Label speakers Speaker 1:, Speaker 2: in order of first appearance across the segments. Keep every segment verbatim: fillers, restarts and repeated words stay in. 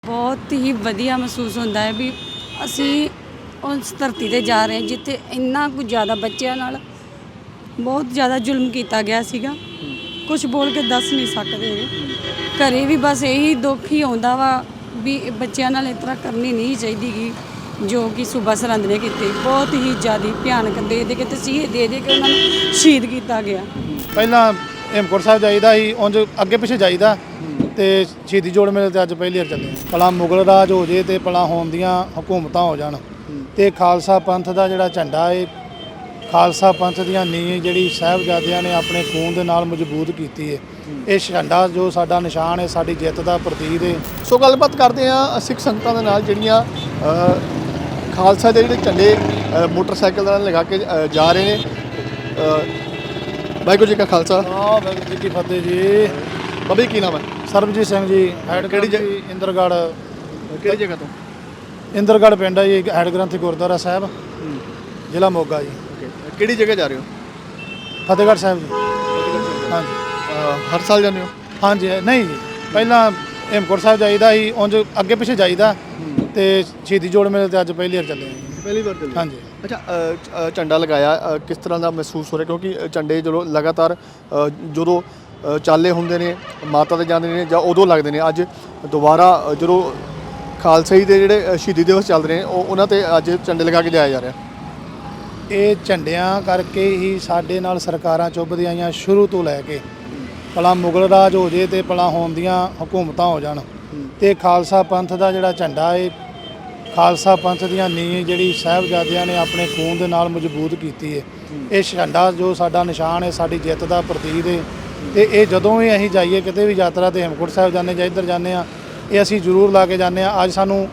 Speaker 1: बहुत ही वधिया महसूस होता है भी ਅਸੀਂ उस धरती ते जा रहे हैं जिथे इन्ना कुछ ज़्यादा बच्चों नाल बहुत ज़्यादा जुल्म किया गया सीगा। कुछ बोल के दस नहीं सकते। घरे भी बस यही दुख ही आता वा भी बच्चों नाल इस तरह करनी नहीं चाहिए जो कि सूबा सरहंद ने की। बहुत ही ज़्यादा भयानक दे दे के तसीहे दे दे के उन्होंने शहीद किया गया।
Speaker 2: ਪਹਿਲਾਂ ਹੇਮਕੁੰਟ ਸਾਹਿਬ ਜਾਈਦਾ ਸੀ, ਉਂਝ ਅੱਗੇ ਪਿੱਛੇ ਜਾਈਦਾ ਤੇ ਸ਼ਹੀਦੀ ਜੋੜ ਮੇਲੇ ਤੇ ਅੱਜ ਪਹਿਲੀ ਵਾਰ ਚੱਲੇ ਹਾਂ। ਭਲਾ ਮੁਗਲ ਰਾਜ ਹੋ ਜੇ ਤੇ ਭਲਾ ਹੋਣ ਦੀਆਂ ਹਕੂਮਤਾਂ ਹੋ ਜਾਣ ਤੇ ਖਾਲਸਾ ਪੰਥ ਦਾ ਜਿਹੜਾ ਝੰਡਾ ਹੈ, ਖਾਲਸਾ ਪੰਥ ਦੀਆਂ ਨੀਂਹ ਜਿਹੜੀ ਸਾਹਿਬਜ਼ਾਦਿਆਂ ਨੇ ਆਪਣੇ ਖੂਨ ਦੇ ਨਾਲ ਮਜ਼ਬੂਤ ਕੀਤੀ ਹੈ, ਇਹ ਝੰਡਾ ਜੋ ਸਾਡਾ ਨਿਸ਼ਾਨ ਹੈ, ਸਾਡੀ ਜਿੱਤ ਦਾ ਪ੍ਰਤੀਕ ਹੈ।
Speaker 3: ਸੋ ਗੱਲਬਾਤ ਕਰਦੇ ਹਾਂ ਸਿੱਖ ਸੰਗਤਾਂ ਦੇ ਨਾਲ ਜਿਹੜੀਆਂ ਖਾਲਸਾ ਦੇ ਜਿਹੜੇ ਝੰਡੇ ਮੋਟਰਸਾਈਕਲ ਨਾਲ ਲਗਾ ਕੇ ਅ, ਜਾ ਰਹੇ ਨੇ। ਵਾਹਿਗੁਰੂ ਜੀ ਕਾ ਖਾਲਸਾ
Speaker 2: ਵਾਹਿਗੁਰੂ ਜੀ ਕੀ ਫਤਿਹ ਜੀ।
Speaker 3: ਬਾਬਾ ਜੀ ਕੀ ਨਾਮ ਹੈ?
Speaker 2: ਸਰਬਜੀਤ ਸਿੰਘ ਜੀ, ਹੈਡ
Speaker 3: ਕਿਹੜੀ
Speaker 2: ਕਿਹੜੀ ਜੀ? ਇੰਦਰਗੜ੍ਹ।
Speaker 3: ਕਿਹੜੀ ਜਗ੍ਹਾ ਤੋਂ?
Speaker 2: ਇੰਦਰਗੜ੍ਹ ਪਿੰਡ ਹੈ ਜੀ, ਹੈਡ ਗ੍ਰੰਥੀ ਗੁਰਦੁਆਰਾ ਸਾਹਿਬ, ਜ਼ਿਲ੍ਹਾ ਮੋਗਾ ਜੀ।
Speaker 3: ਕਿਹੜੀ ਜਗ੍ਹਾ ਜਾ ਰਹੇ ਹੋ?
Speaker 2: ਫਤਿਹਗੜ੍ਹ ਸਾਹਿਬ ਜੀ। ਹਾਂਜੀ
Speaker 3: ਅ, ਹਰ ਸਾਲ ਜਾਂਦੇ ਹੋ?
Speaker 2: ਹਾਂਜੀ ਨਹੀਂ ਜੀ, ਪਹਿਲਾਂ ਹੇਮਕੁੰਟ ਸਾਹਿਬ ਜਾਈਦਾ ਸੀ, ਉਂਝ ਅੱਗੇ ਪਿੱਛੇ ਜਾਈਦਾ ਤੇ ਸ਼ਹੀਦੀ ਜੋੜ ਮੇਲੇ ਤੇ ਅੱਜ ਪਹਿਲੀ ਵਾਰ ਚੱਲੇ ਹਾਂ ਜੀ।
Speaker 3: ਪਹਿਲੀ ਵਾਰ ਚੱਲੇ?
Speaker 2: ਹਾਂਜੀ।
Speaker 3: ਅੱਛਾ, ਅ, ਅ, ਝੰਡਾ ਲਗਾਇਆ, ਅ, ਕਿਸ ਤਰ੍ਹਾਂ ਦਾ ਮਹਿਸੂਸ ਹੋ ਰਿਹਾ? ਕਿਉਂਕਿ ਝੰਡੇ ਜਦੋਂ ਲਗਾਤਾਰ ਅ, ਜਦੋਂ ਅ, ਚਾਲੇ ਹੁੰਦੇ ਨੇ ਮਾਤਾ ਦੇ ਜਾਂਦੇ ਨੇ ਜਾਂ ਉਦੋਂ ਲੱਗਦੇ ਨੇ, ਅੱਜ ਦੁਬਾਰਾ ਅ, ਜਦੋਂ ਖਾਲਸਾਈ ਦੇ ਜਿਹੜੇ ਅ, ਸ਼ਹੀਦੀ ਦਿਵਸ ਚੱਲ ਰਹੇ ਨੇ ਉਹ ਉਹਨਾਂ 'ਤੇ ਅੱਜ ਝੰਡੇ ਲਗਾ ਕੇ ਜਾਇਆ ਜਾ ਰਿਹਾ।
Speaker 2: ਇਹ ਝੰਡਿਆਂ ਕਰਕੇ ਹੀ ਸਾਡੇ ਨਾਲ ਸਰਕਾਰਾਂ ਚੁੱਭਦੀਆਂ ਆਈਆਂ ਸ਼ੁਰੂ ਤੋਂ ਲੈ ਕੇ। ਭਲਾ ਮੁਗਲ ਰਾਜ ਹੋ ਜੇ ਤੇ ਭਲਾ ਹੋਣ ਦੀਆਂ ਹਕੂਮਤਾਂ ਹੋ ਜਾਣ ਤੇ ਖਾਲਸਾ ਪੰਥ ਦਾ ਜਿਹੜਾ ਝੰਡਾ ਹੈ, ਖਾਲਸਾ ਪੰਥ ਦੀਆਂ ਨੀਂਹ ਜਿਹੜੀ ਸਾਹਿਬਜ਼ਾਦਿਆਂ ਨੇ ਆਪਣੇ ਖੂਨ ਦੇ ਨਾਲ ਮਜ਼ਬੂਤ ਕੀਤੀ ਹੈ, ਇਹ ਝੰਡਾ ਜੋ ਸਾਡਾ ਨਿਸ਼ਾਨ ਹੈ, ਸਾਡੀ ਜਿੱਤ ਦਾ ਪ੍ਰਤੀਕ ਹੈ। ਤੇ ਇਹ ਜਦੋਂ ਵੀ ਅਸੀਂ ਜਾਈਏ ਕਿਤੇ ਵੀ ਯਾਤਰਾ ਤੇ ਹੇਮਕੁੰਟ ਸਾਹਿਬ ਜਾਂਦੇ ਜਾਂ ਇੱਧਰ ਜਾਂਦੇ ਹਾਂ, ਇਹ ਅਸੀਂ ਜ਼ਰੂਰ ਲਾ ਕੇ ਜਾਂਦੇ ਹਾਂ। ਅੱਜ ਸਾਨੂੰ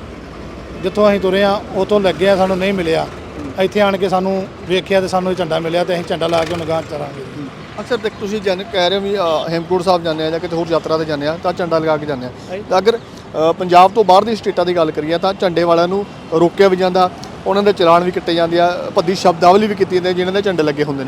Speaker 2: ਜਿੱਥੋਂ ਅਸੀਂ ਤੁਰੇ ਹਾਂ ਉਤੋਂ ਲੱਗਿਆ, ਸਾਨੂੰ ਨਹੀਂ ਮਿਲਿਆ, ਇੱਥੇ ਆਣ ਕੇ ਸਾਨੂੰ ਵੇਖਿਆ ਤੇ ਸਾਨੂੰ ਇਹ ਝੰਡਾ ਮਿਲਿਆ ਤੇ ਅਸੀਂ ਝੰਡਾ ਲਾ ਕੇ ਉਹਨੂੰ ਗਾਂਹ ਚਲਾਂਗੇ।
Speaker 3: ਅਕਸਰ ਦੇਖ ਤੁਸੀਂ ਜਨ ਕਹਿ ਰਹੇ ਹੋ ਵੀ ਅ, ਹੇਮਕੁੰਟ ਸਾਹਿਬ ਜਾਂਦੇ ਆ ਜਾਂ ਕਿਤੇ ਹੋਰ ਯਾਤਰਾ ਤੇ ਜਾਂਦੇ ਆ ਤਾਂ ਝੰਡਾ ਲਗਾ ਕੇ ਜਾਂਦੇ ਆ। ਤਾਂ ਅਗਰ ਅ, ਪੰਜਾਬ ਤੋਂ ਬਾਹਰ ਦੀ ਸਟੇਟਾਂ ਦੀ ਗੱਲ ਕਰੀਏ ਤਾਂ ਝੰਡੇ ਵਾਲਿਆਂ ਨੂੰ ਰੋਕਿਆ ਵੀ ਜਾਂਦਾ, ਉਹਨਾਂ ਦੇ ਚਲਾਨ ਵੀ ਕੱਟੇ ਜਾਂਦੇ ਆ, ਭੱਦੀ ਸ਼ਬਦਾਵਲੀ ਵੀ ਕੀਤੀ ਜਾਂਦੀ ਜਿਨ੍ਹਾਂ ਦੇ ਝੰਡੇ ਲੱਗੇ ਹੁੰਦੇ ਨੇ।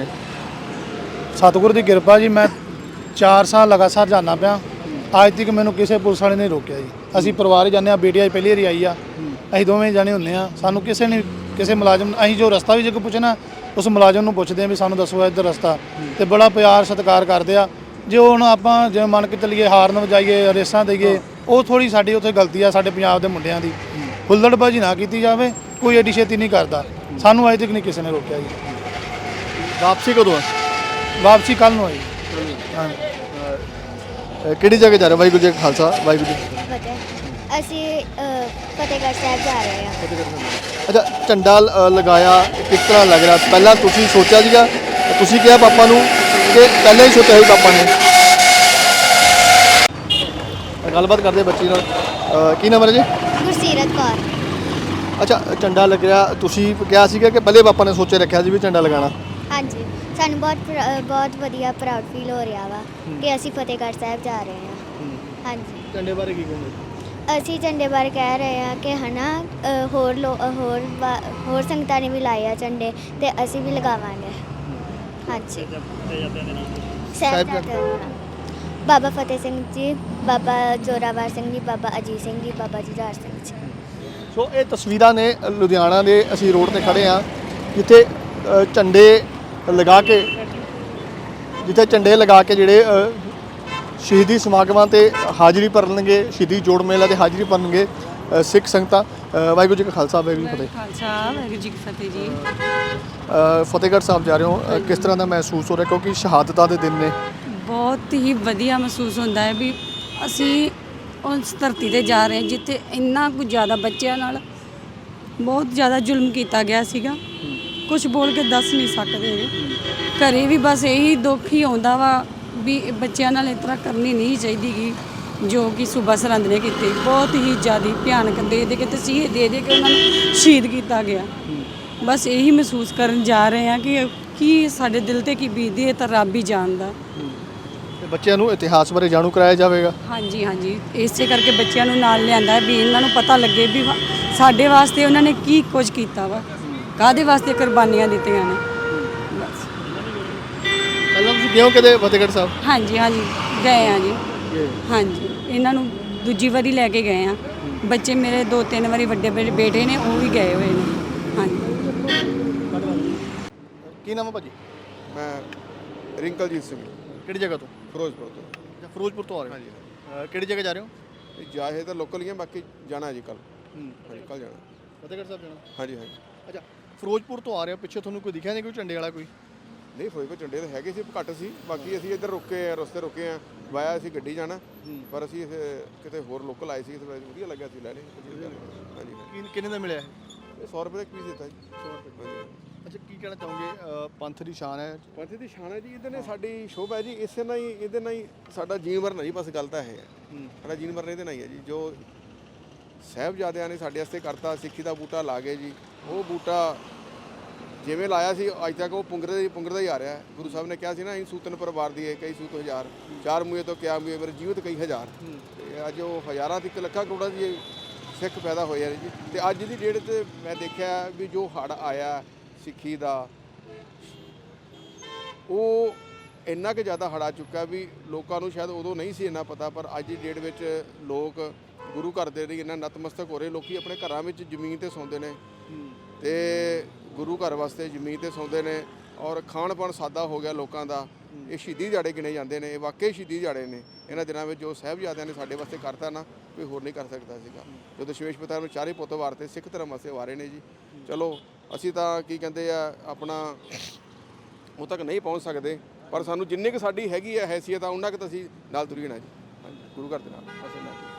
Speaker 2: ਸਤਿਗੁਰ ਦੀ ਕਿਰਪਾ ਜੀ, ਮੈਂ ਚਾਰ ਸਾਲ ਲਗਾਤਾਰ ਜਾਂਦਾ ਪਿਆ, ਅੱਜ ਤੱਕ ਮੈਨੂੰ ਕਿਸੇ ਪੁਲਿਸ ਵਾਲੇ ਨੇ ਰੋਕਿਆ ਜੀ। ਅਸੀਂ ਪਰਿਵਾਰ ਹੀ ਜਾਂਦੇ ਹਾਂ, ਬੇਟੀ ਅੱਜ ਪਹਿਲੀ ਵਾਰੀ ਆਈ ਆ, ਅਸੀਂ ਦੋਵੇਂ ਜਾਣੇ ਹੁੰਦੇ ਹਾਂ, ਸਾਨੂੰ ਕਿਸੇ ਨੇ ਕਿਸੇ ਮੁਲਾਜ਼ਮ ਅਸੀਂ ਜੋ ਰਸਤਾ ਵੀ ਜੇ ਕੋਈ ਪੁੱਛਣਾ ਉਸ ਮੁਲਾਜ਼ਮ ਨੂੰ ਪੁੱਛਦੇ ਹਾਂ ਵੀ ਸਾਨੂੰ ਦੱਸੋ ਇੱਧਰ ਰਸਤਾ, ਤੇ ਬੜਾ ਪਿਆਰ ਸਤਿਕਾਰ ਕਰਦੇ ਆ। ਜੇ ਹੁਣ ਆਪਾਂ ਜਿਵੇਂ ਮੰਨ ਕੇ ਚੱਲੀਏ ਹਾਰਨ ਵਜਾਈਏ, ਰੇਸਾਂ ਦੇਈਏ, ਉਹ ਥੋੜੀ ਸਾਡੀ ਉੱਥੇ ਗਲਤੀ ਆ ਸਾਡੇ ਪੰਜਾਬ ਦੇ ਮੁੰਡਿਆਂ ਦੀ। ਹੁੱਲੜਬਾਜ਼ੀ ਨਾ ਕੀਤੀ ਜਾਵੇ, ਕੋਈ ਐਡੀ ਛੇਤੀ ਨਹੀਂ ਕਰਦਾ। ਸਾਨੂੰ ਅਜੇ ਤੱਕ ਨਹੀਂ ਕਿਸੇ ਨੇ ਰੋਕਿਆ ਜੀ।
Speaker 3: ਵਾਪਸੀ ਕਦੋਂ ਆ?
Speaker 2: ਵਾਪਸੀ ਕੱਲ੍ਹ ਨੂੰ ਆਈ। ਹਾਂ।
Speaker 3: ਅ, ਕਿਹੜੀ ਜਗ੍ਹਾ ਜਾ ਰਹੇ ਹੋ? ਵਾਹਿਗੁਰੂ ਜੀ ਕਾ ਖਾਲਸਾ ਵਾਹਿਗੁਰੂ ਜੀ ਕੀ
Speaker 4: ਫਤਿਹ। ਅਸੀਂ ਅ, ਫਤਿਹਗੜ੍ਹ ਸਾਹਿਬ ਜਾ ਰਹੇ ਹਾਂ।
Speaker 3: ਫਤਿਹ। ਅੱਛਾ, ਝੰਡਾ ਅ, ਲਗਾਇਆ, ਕਿਸ ਤਰ੍ਹਾਂ ਲੱਗ ਰਿਹਾ? ਪਹਿਲਾਂ ਤੁਸੀਂ ਸੋਚਿਆ ਸੀਗਾ, ਤੁਸੀਂ ਕਿਹਾ ਪਾਪਾ ਨੂੰ ਕਿ ਪਹਿਲਾਂ ਹੀ ਸੋਚਿਆ ਸੀ ਪਾਪਾ ਨੇ? ਗੱਲਬਾਤ ਕਰਦੇ ਬੱਚੀ ਨਾਲ। ਅ, ਕੀ ਨਾਮ ਹੈ ਜੀ?
Speaker 4: ਗੁਰਸੀਰਤ ਕੌਰ।
Speaker 3: ਅੱਛਾ, ਝੰਡਾ ਲੱਗ ਰਿਹਾ, ਤੁਸੀਂ ਕਿਹਾ ਸੀਗਾ ਕਿ ਪਹਿਲੇ ਪਾਪਾ ਨੇ ਸੋਚੇ ਰੱਖਿਆ ਸੀ ਵੀ ਝੰਡਾ ਲਗਾਉਣਾ?
Speaker 4: ਹਾਂਜੀ, ਸਾਨੂੰ ਬਹੁਤ ਪ੍ਰ- ਬਹੁਤ ਵਧੀਆ ਪ੍ਰਾਊਡ ਫੀਲ ਹੋ ਰਿਹਾ ਵਾ ਕਿ ਅਸੀਂ ਫਤਿਹਗੜ੍ਹ ਸਾਹਿਬ ਜਾ ਰਹੇ ਹਾਂ। ਹਾਂਜੀ,
Speaker 3: ਝੰਡੇ ਬਾਰੇ ਕੀ ਕਹੋਗੇ?
Speaker 4: ਅਸੀਂ ਝੰਡੇ ਬਾਰੇ ਕਹਿ ਰਹੇ ਹਾਂ ਕਿ ਹਨਾ ਅ, ਹੋਰ ਲੋ ਅ, ਹੋਰ ਵਾ- ਹੋਰ ਸੰਗਤਾਂ ਨੇ ਵੀ ਲਾਏ ਆ ਝੰਡੇ ਤੇ ਅਸੀਂ ਵੀ ਲਗਾਵਾਂਗੇ। ਹਾਂਜੀ, ਸਾਹਿਬਜ਼ਾਦਿਆਂ ਦੇ ਨਾਮ। ਬਾਬਾ ਫਤਿਹ ਸਿੰਘ ਜੀ, ਬਾਬਾ ਜ਼ੋਰਾਵਰ ਸਿੰਘ ਜੀ, ਬਾਬਾ ਅਜੀਤ ਸਿੰਘ ਜੀ, ਬਾਬਾ ਜੁਝਾਰ ਸਿੰਘ ਜੀ।
Speaker 3: ਸੋ ਇਹ ਤਸਵੀਰਾਂ ਨੇ ਲੁਧਿਆਣਾ ਦੇ, ਅਸੀਂ ਰੋਡ ਤੇ ਖੜੇ ਹਾਂ ਜਿੱਥੇ ਅ, ਝੰਡੇ ਲਗਾ ਕੇ ਜਿੱਥੇ ਝੰਡੇ ਲਗਾ ਕੇ ਜਿਹੜੇ ਅ, ਸ਼ਹੀਦੀ ਸਮਾਗਮਾਂ ਤੇ ਹਾਜ਼ਰੀ ਭਰਨਗੇ, ਸ਼ਹੀਦੀ ਜੋੜ ਮੇਲਾ ਤੇ ਹਾਜ਼ਰੀ ਭਰਨਗੇ ਅ, ਸਿੱਖ ਸੰਗਤਾਂ। ਅ, ਵਾਹਿਗੁਰੂ ਜੀ ਕਾ ਖਾਲਸਾ ਵਾਹਿਗੁਰੂ ਜੀ ਕੀ ਫਤਿਹ।
Speaker 1: ਖਾਲਸਾ ਵਾਹਿਗੁਰੂ ਜੀ ਕੀ ਫਤਿਹ ਜੀ।
Speaker 3: ਅ, ਫਤਿਹਗੜ੍ਹ ਸਾਹਿਬ ਜਾ ਰਹੇ ਹੋ, ਅ, ਕਿਸ ਤਰ੍ਹਾਂ ਦਾ ਮਹਿਸੂਸ ਹੋ ਰਿਹਾ? ਕਿਉਂਕਿ ਸ਼ਹਾਦਤਾਂ ਦੇ ਦਿਨ ਨੇ।
Speaker 1: ਬਹੁਤ ਹੀ ਵਧੀਆ ਮਹਿਸੂਸ ਹੁੰਦਾ ਹੈ ਵੀ ਅਸੀਂ ਉਸ ਧਰਤੀ ਤੇ ਜਾ ਰਹੇ ਹਾਂ ਜਿੱਥੇ ਇੰਨਾ ਕੁ ਜ਼ਿਆਦਾ ਬੱਚਿਆਂ ਨਾਲ ਬਹੁਤ ਜ਼ਿਆਦਾ ਜ਼ੁਲਮ ਕੀਤਾ ਗਿਆ ਸੀਗਾ। ਕੁਝ ਬੋਲ ਕੇ ਦੱਸ ਨਹੀਂ ਸਕਦੇ। ਘਰੇ ਵੀ ਬਸ ਇਹੀ ਦੁੱਖ ਹੀ ਆਉਂਦਾ ਵਾ ਵੀ ਬੱਚਿਆਂ ਨਾਲ ਇਸ ਤਰ੍ਹਾਂ ਕਰਨੀ ਨਹੀਂ ਚਾਹੀਦੀ ਜੋ ਕਿ ਸੂਬਾ ਸਰਹੰਦ ਨੇ ਕੀਤੀ। ਬਹੁਤ ਹੀ ਜ਼ਿਆਦਾ ਭਿਆਨਕ ਦੇ ਦੇ ਕੇ ਤਸੀਹੇ ਦੇ ਦੇ ਕੇ ਉਹਨਾਂ ਨੂੰ ਸ਼ਹੀਦ ਕੀਤਾ ਗਿਆ। ਬਸ ਇਹੀ ਮਹਿਸੂਸ ਕਰਨ ਜਾ ਰਹੇ ਹਾਂ ਕਿ ਕੀ ਸਾਡੇ ਦਿਲ ਤੇ ਕੀ ਬੀਤਦੀ ਹੈ ਤਾਂ ਰੱਬ ਹੀ ਜਾਣਦਾ।
Speaker 3: ਤੇ ਬੱਚਿਆਂ ਨੂੰ ਇਤਿਹਾਸ ਬਾਰੇ ਜਾਣੂ ਕਰਾਇਆ ਜਾਵੇਗਾ।
Speaker 1: ਹਾਂਜੀ ਹਾਂਜੀ, ਇਸੇ ਕਰਕੇ ਬੱਚਿਆਂ ਨੂੰ ਨਾਲ ਲਿਆਂਦਾ ਹੈ ਵੀ ਇਹਨਾਂ ਨੂੰ ਪਤਾ ਲੱਗੇ ਵੀ ਸਾਡੇ ਵਾਸਤੇ ਉਹਨਾਂ ਨੇ ਕੀ ਕੁਝ ਕੀਤਾ ਵਾ, ਕਾਹਦੇ ਵਾਸਤੇ ਕੁਰਬਾਨੀਆਂ ਦਿੱਤੀਆਂ ਨੇ। ਬਸ
Speaker 3: ਪਹਿਲਾਂ ਤੁਸੀਂ ਗਏ ਹੋ ਕਦੇ ਫਤਿਹਗੜ੍ਹ ਸਾਹਿਬ?
Speaker 1: ਹਾਂਜੀ ਹਾਂਜੀ, ਗਏ ਆ ਜੀ। ਹਾਂਜੀ, ਇਹਨਾਂ ਨੂੰ ਦੂਜੀ ਵਾਰੀ ਲੈ ਕੇ ਗਏ ਆ। ਬੱਚੇ ਮੇਰੇ ਦੋ ਤਿੰਨ ਵਾਰੀ ਵੱਡੇ ਬੇ- ਬੇਟੇ ਨੇ ਉਹ ਵੀ ਗਏ ਹੋਏ ਨੇ। ਹਾਂਜੀ
Speaker 3: ਕੀ ਨਾਮ ਹੈ ਭਾਜੀ?
Speaker 5: ਮੈਂ ਰਿੰਕਲਜੀਤ ਸਿੰਘ
Speaker 3: ਕਿਹੜੀ ਜਗ੍ਹਾ ਤੋਂ?
Speaker 5: ਫਿਰੋਜ਼ਪੁਰ ਤੋਂ।
Speaker 3: ਅੱਛਾ ਫਿਰੋਜ਼ਪੁਰ ਤੋਂ ਆ ਰਹੇ ਹੋ?
Speaker 5: ਹਾਂਜੀ
Speaker 3: ਅ, ਕਿਹੜੀ ਜਗ੍ਹਾ ਜਾ ਰਹੇ ਹੋ?
Speaker 5: ਇਹ ਜਾਏ ਤਾਂ ਲੋਕਲ ਹੀ ਆ, ਬਾਕੀ ਜਾਣਾ ਜੀ ਕੱਲ।
Speaker 3: ਹੂੰ
Speaker 5: ਹਾਂਜੀ ਕੱਲ ਜਾਣਾ।
Speaker 3: ਫਤਿਹਗੜ੍ਹ ਸਾਹਿਬ ਜਾਣਾ?
Speaker 5: ਹਾਂਜੀ ਹਾਂਜੀ।
Speaker 3: ਅੱਛਾ ਫਿਰੋਜ਼ਪੁਰ ਤੋਂ ਆ ਰਹੇ ਹੋ, ਪਿੱਛੇ ਤੁਹਾਨੂੰ ਕੋਈ ਦਿਖਿਆ ਨਹੀਂ ਕੋਈ ਝੰਡੇ ਵਾਲਾ ਕੋਈ?
Speaker 5: ਨਹੀਂ ਫਿਰੋਜ਼ਪੁਰ ਝੰਡੇ ਤਾਂ ਹੈਗੇ ਸੀ, ਘੱਟ ਸੀ। ਬਾਕੀ ਅਸੀਂ ਇੱਧਰ ਰੁਕੇ ਆ, ਰਸਤੇ ਰੁਕੇ ਆ, ਵਾਇਆ ਅਸੀਂ ਗੱਡੀ ਜਾਣਾ, ਪਰ ਅਸੀਂ ਇੱਥੇ ਕਿਤੇ ਹੋਰ ਲੋਕਲ ਆਏ ਸੀ, ਇੱਥੇ ਵਧੀਆ ਲੱਗਿਆ ਸੀ ਲੈ ਲਏ। ਹਾਂਜੀ
Speaker 3: ਕੀ ਕਿੰਨੇ ਦਾ ਮਿਲਿਆ ਇਹ?
Speaker 5: ਇਹ ਸੌ ਰੁਪਏ ਦਾ ਇੱਕ ਪੀਸ ਦਿੱਤਾ ਜੀ।
Speaker 3: ਸੌ ਰੁਪਏ।
Speaker 5: ਹਾਂਜੀ
Speaker 3: ਅੱਛਾ ਕੀ ਕਹਿਣਾ ਚਾਹੋਗੇ? ਅ, ਪੰਥ ਦੀ ਸ਼ਾਨ ਹੈ।
Speaker 5: ਪੰਥ ਦੀ ਸ਼ਾਨ ਹੈ ਜੀ, ਇਹਦੇ ਨੇ ਸਾਡੀ ਸ਼ੋਭਾ ਹੈ ਜੀ, ਇਸੇ ਨਾਲ ਹੀ ਇਹਦੇ ਨਾਲ ਹੀ ਸਾਡਾ ਜੀਵਨ ਮਰਨ ਜੀ, ਬਸ ਗੱਲ ਤਾਂ ਇਹ ਹੈ। ਸਾਡਾ ਜੀਵਨ ਮਰਨ ਇਹਦੇ ਨਾਲ ਹੀ ਹੈ ਜੀ। ਜੋ ਸਾਹਿਬਜ਼ਾਦਿਆਂ ਨੇ ਸਾਡੇ ਵਾਸਤੇ ਕਰਤਾ, ਸਿੱਖੀ ਦਾ ਬੂਟਾ ਲਾ ਗਏ ਜੀ, ਉਹ ਬੂਟਾ ਜਿਵੇਂ ਲਾਇਆ ਸੀ ਅੱਜ ਤੱਕ ਉਹ ਪੁੰਗਰਦਾ ਹੀ ਪੁੰਗਰਦਾ ਹੀ ਆ ਰਿਹਾ। ਗੁਰੂ ਸਾਹਿਬ ਨੇ ਕਿਹਾ ਸੀ ਨਾ, ਅਸੀਂ ਸੂਤਨ ਪਰਿਵਾਰ ਦੀ ਹੈ, ਕਈ ਸੂਤ ਹਜ਼ਾਰ, ਚਾਰ ਮੂਏ ਤੋਂ ਕਿਆ ਮੂਏ ਮੇਰੇ ਜੀਵਤ ਕਈ ਹਜ਼ਾਰ। ਤੇ ਅੱਜ ਉਹ ਹਜ਼ਾਰਾਂ ਤੇ ਇੱਕ ਲੱਖਾਂ ਕਰੋੜਾਂ ਦੀ ਸਿੱਖ ਪੈਦਾ ਹੋਏ ਆ ਜੀ। ਤੇ ਅੱਜ ਦੀ ਡੇਟ 'ਤੇ ਮੈਂ ਦੇਖਿਆ ਵੀ ਜੋ ਹੜ੍ਹ ਆਇਆ ਸਿੱਖੀ ਦਾ, ਉਹ ਇੰਨਾ ਕੁ ਜ਼ਿਆਦਾ ਹੜ੍ਹ ਆ ਚੁੱਕਾ ਵੀ ਲੋਕਾਂ ਨੂੰ ਸ਼ਾਇਦ ਉਦੋਂ ਨਹੀਂ ਸੀ ਇੰਨਾ ਪਤਾ, ਪਰ ਅੱਜ ਦੀ ਡੇਟ ਵਿੱਚ ਲੋਕ ਗੁਰੂ ਘਰ ਦੇ ਲਈ ਇੰਨਾ ਨਤਮਸਤਕ ਹੋ ਰਹੇ। ਲੋਕੀ ਆਪਣੇ ਘਰਾਂ ਵਿੱਚ ਜ਼ਮੀਨ ਤੇ ਸੌਂਦੇ ਨੇ ਤੇ ਗੁਰੂ ਘਰ ਵਾਸਤੇ ਜ਼ਮੀਨ ਤੇ ਸੌਂਦੇ ਨੇ, ਔਰ ਖਾਣ ਪਾਣ ਸਾਦਾ ਹੋ ਗਿਆ ਲੋਕਾਂ ਦਾ। ਇਹ ਸ਼ਹੀਦੀ ਦਿਹਾੜੇ ਗਿਣੇ ਜਾਂਦੇ ਨੇ, ਇਹ ਵਾਕਈ ਸ਼ਹੀਦੀ ਦਿਹਾੜੇ ਨੇ। ਇਹਨਾਂ ਦਿਨਾਂ ਵਿੱਚ ਜੋ ਸਾਹਿਬਜ਼ਾਦਿਆਂ ਨੇ ਸਾਡੇ ਵਾਸਤੇ ਕਰਤਾ ਨਾ, ਕੋਈ ਹੋਰ ਨਹੀਂ ਕਰ ਸਕਦਾ ਸੀਗਾ। ਜੋ ਦਸ਼ਮੇਸ਼ ਪਿਤਾ ਨੂੰ ਚਾਰੇ ਪੁੱਤ ਵਾਰਤੇ ਸਿੱਖ ਧਰਮ ਵਾਸਤੇ ਵਾਰੇ ਨੇ ਜੀ। ਚਲੋ ਅਸੀਂ ਤਾਂ ਕੀ ਕਹਿੰਦੇ ਆ, ਆਪਣਾ ਉਹ ਤੱਕ ਨਹੀਂ ਪਹੁੰਚ ਸਕਦੇ, ਪਰ ਸਾਨੂੰ ਜਿੰਨੀ ਕੁ ਸਾਡੀ ਹੈਗੀ ਹੈ ਹੈਸੀਅਤ ਆ, ਉਹਨਾਂ ਕੁ ਤਾਂ ਅਸੀਂ ਨਾਲ ਤੁਰੀ ਨਾ ਜੀ। ਹਾਂਜੀ ਗੁਰੂ ਘਰ ਦੇ ਨਾਲ ਅਸੀਂ ਨਾਲ